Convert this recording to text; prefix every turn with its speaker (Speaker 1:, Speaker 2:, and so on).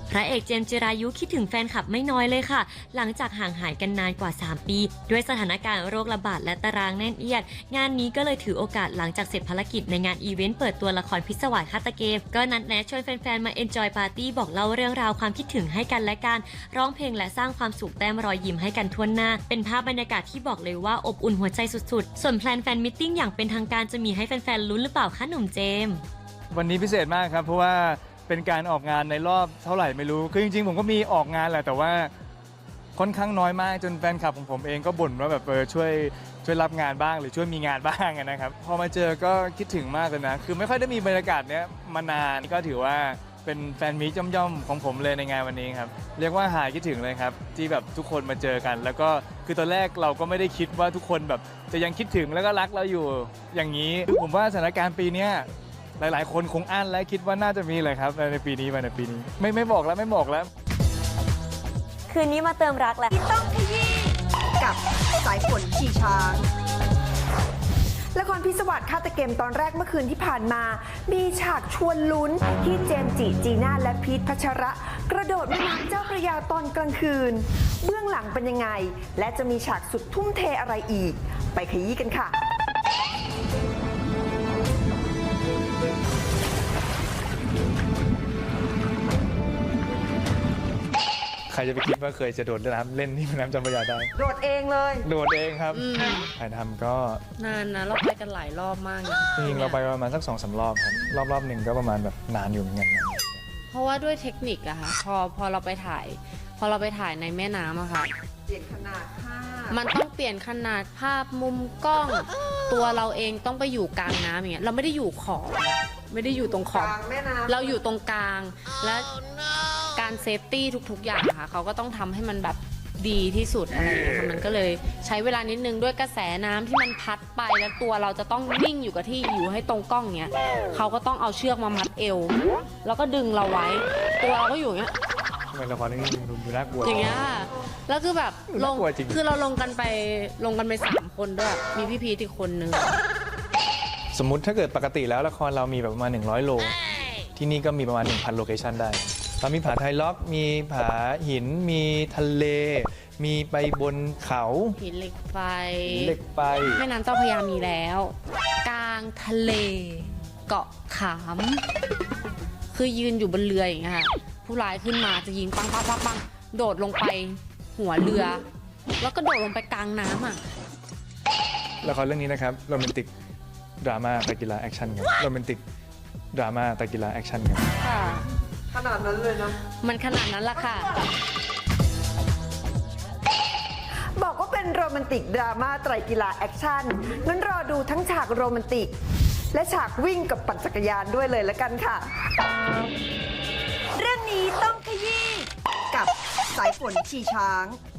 Speaker 1: พระเอกเจมส์จิรายุคิดถึงแฟนคลับไม่น้อยเลยค่ะหลังจากห่างหายกันนานกว่า3 ปีด้วยสถานการณ์โรคระบาดและตารางแน่นเอียดงานนี้ก็เลยถือโอกาสหลังจากเสร็จภารกิจในงานอีเวนต์เปิดตัวละครพิศวาสฆาตเกมก็นัดแนะชวนแฟนๆมาเอนจอยปาร์ตี้บอกเล่าเรื่องราวความคิดถึงให้กันและกันร้องเพลงและสร้างความสุขแต้มรอยยิ้มให้กันทั่วหน้าเป็นภาพบรรยากาศที่บอกเลยว่าอบอุ่นหัวใจสุดๆส่วนแพลนแฟนมิทติ้งอย่างเป็นทางการจะมีให้แฟนๆลุ้นหรือเปล่าคะหนุ่มเจมส์
Speaker 2: วันนี้พิเศษมากครับเพราะว่าเป็นการออกงานในรอบเท่าไหร่ไม่รู้คือจริงๆผมก็มีออกงานแหละแต่ว่าค่อนข้างน้อยมากจนแฟนคลับของผมเองก็บ่นว่าแบบช่วยรับงานบ้างหรือช่วยมีงานบ้างนะครับพอมาเจอก็คิดถึงมากเลยนะคือไม่ค่อยได้มีบรรยากาศเนี้ยมานานก็ถือว่าเป็นแฟนมีตย่อมๆของผมเลยในงานวันนี้ครับเรียกว่าหายคิดถึงเลยครับที่แบบทุกคนมาเจอกันแล้วก็คือตอนแรกเราก็ไม่ได้คิดว่าทุกคนแบบจะยังคิดถึงแล้วก็รักเราอยู่อย่างนี้ผมว่าสถานการณ์ปีนี้หลายๆคนคงอั้นและคิดว่าน่าจะมีเลยครับในปีนี้ไม่บอกแล้ว
Speaker 1: คืนนี้มาเติมรักแล้ว
Speaker 3: ที่ต้องขยี้กับสายฝนขี่ช้างละครพิศวาสฆาตเกมตอนแรกเมื่อคืนที่ผ่านมามีฉากชวนลุ้นที่เจมส์จิจีน่าและพีทพัชระกระโดดแม่น้ำเจ้าพระยาตอนกลางคืนเบื้องหลังเป็นยังไงและจะมีฉากสุดทุ่มเทอะไรอีกไปขยี้กันค่ะ
Speaker 2: ใครจะไปคิดว่าเคยจะโดดน้ำเล่นที่แม่น้ำเจ้าพระยาได้
Speaker 3: โดดเองเลย
Speaker 2: โดดเองครับถ่ายทำก็
Speaker 4: นานนะเราไปกันหลายรอบมาก
Speaker 2: จริงๆเราไปประมาณสัก2-3 รอบครับรอบหนึ่งก็ประมาณแบบนานอยู่เหมือนกัน
Speaker 4: เพราะว่าด้วยเทคนิคอะค่ะพอเราไปถ่ายในแม่น้ำอะค่ะ
Speaker 3: เปลี่ยนขนาดภาพ
Speaker 4: มันต้องเปลี่ยนขนาดภาพมุมกล้อง ตัวเราเองต้องไปอยู่กลางน้ำอย่างเงี้ยเราไม่ได้อยู่ขอบไม่ได้อยู่ตรงขอบเราอยู่ตรงกลางและการเซฟตี้ทุกๆอย่างค่ะเขาก็ต้องทำให้มันแบบดีที่สุดอะไรอย่างเงี้ยมันก็เลยใช้เวลานิดนึงด้วยกระแสน้ำที่มันพัดไปแล้วตัวเราจะต้องนิ่งอยู่กับที่อยู่ให้ตรงกล้องเงี้ยเขาก็ต้องเอาเชือกมามัดเอวแล้วก็ดึงเราไว้ตัวเราก็อยู่เงี้ย
Speaker 2: ละครนี่ดูน่ากลัว
Speaker 4: อย่างเงี้ยแล้วคือแบบคือเราลงกันไป3 คนด้วยมีพี่พีทอีกคนนึง
Speaker 2: สมมุติถ้าเกิดปกติแล้วละครเรามีแบบประมาณ100 โลที่นี่ก็มีประมาณ 1,000 โลเคชั่นได้เรามีผาไทยล็อกมีผาหินมีทะเลมีไปบนเขา
Speaker 4: หินเหล็กไฟแม่น้ำเจ้าพระยามีแล้วกลางทะเลเกาะขามคือยืนอยู่บนเรืออย่างเงี้ยค่ะผู้ร้ายขึ้นมาจะยิงปังโดดลงไปหัวเรือแล้วก็โดดลงไปกลางน้ำอ่ะ
Speaker 2: ละครเรื่องนี้นะครับโรแมนติกดราม่าตะกีฬาแอคชั่นครับโรแมนติกดราม่าตะกีฬาแอคชั่นครับ
Speaker 4: ค่ะ
Speaker 3: ขนาดนั้นเลยนะ
Speaker 4: มันขนาดนั้นละค่ะ
Speaker 3: บอกว่าเป็นโรแมนติกดราม่าไตรกีฬาแอคชั่นงั้นรอดูทั้งฉากโรแมนติกและฉากวิ่งกับปั่นจักรยานด้วยเลยละกันค่ะเรื่องนี้ต้องขยี้กับสายฝนขี่ช้าง